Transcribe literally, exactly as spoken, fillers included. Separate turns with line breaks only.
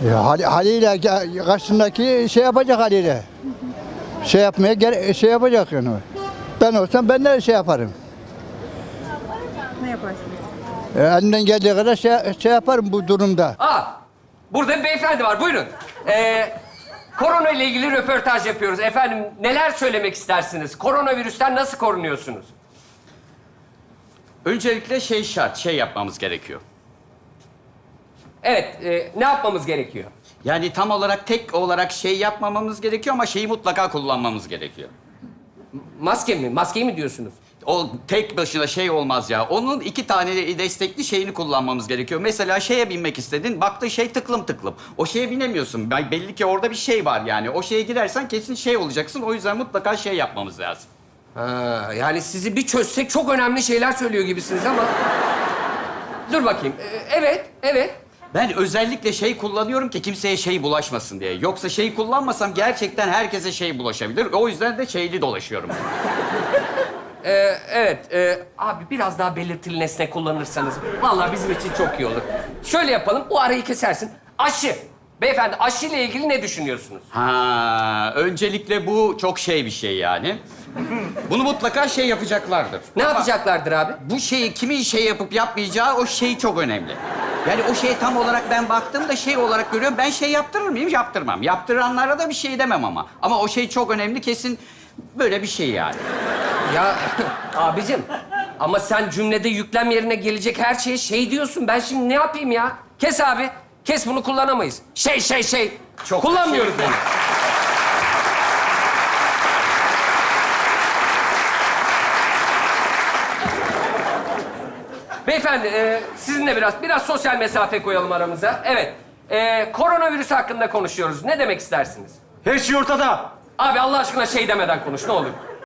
Ya, hal- haliyle ge- karşısındaki şey yapacak haliyle. Şey yapmaya gere- şey yapacak yani. Ben olsam ben de şey yaparım.
Ne yaparsınız?
E, elimden geldiği kadar şey, şey yaparım bu durumda.
Aa, burada bir beyefendi var. Buyurun. Ee, korona ile ilgili röportaj yapıyoruz. Efendim, neler söylemek istersiniz? Koronavirüsten nasıl korunuyorsunuz?
Öncelikle şey şart, şey yapmamız gerekiyor.
Evet, e, ne yapmamız gerekiyor?
Yani tam olarak tek olarak şey yapmamamız gerekiyor ama şeyi mutlaka kullanmamız gerekiyor.
Maske mi? Maskeyi mi diyorsunuz?
O tek başına şey olmaz ya. Onun iki tane destekli şeyini kullanmamız gerekiyor. Mesela şeye binmek istedin, baktın şey tıklım tıklım. O şeye binemiyorsun. Ben- Belli ki orada bir şey var yani. O şeye girersen kesin şey olacaksın. O yüzden mutlaka şey yapmamız lazım.
Ha, yani sizi bir çözsek çok önemli şeyler söylüyor gibisiniz ama... Dur bakayım. Ee, evet, evet.
Ben özellikle şey kullanıyorum ki kimseye şey bulaşmasın diye. Yoksa şey kullanmasam gerçekten herkese şey bulaşabilir. O yüzden de şeyli dolaşıyorum.
Ee, evet. e, abi biraz daha belirtili nesne kullanırsanız vallahi bizim için çok iyi olur. Şöyle yapalım, bu arayı kesersin. Aşı. Beyefendi, aşı ile ilgili ne düşünüyorsunuz?
Ha, öncelikle bu çok şey bir şey yani. Bunu mutlaka şey yapacaklardır.
Ne
Ama
yapacaklardır abi?
bu şeyi kimin şey yapıp yapmayacağı o şey çok önemli. Yani o şey tam olarak ben baktığımda şey olarak görüyorum. Ben şey yaptırır mıyım? Yaptırmam. Yaptıranlara da bir şey demem ama. Ama o şey çok önemli kesin böyle bir şey yani.
Ya abicim, ama sen cümlede yüklem yerine gelecek her şeye şey diyorsun. Ben şimdi ne yapayım ya? Kes abi. Kes, bunu kullanamayız. Şey şey şey.
Çok
Kullanmıyoruz
şey-
bunu. Beyefendi, e, sizinle biraz biraz sosyal mesafe koyalım aramıza. Evet. E, koronavirüs hakkında konuşuyoruz. Ne demek istersiniz?
Her şey ortada.
Abi Allah aşkına şey demeden konuş, ne olur.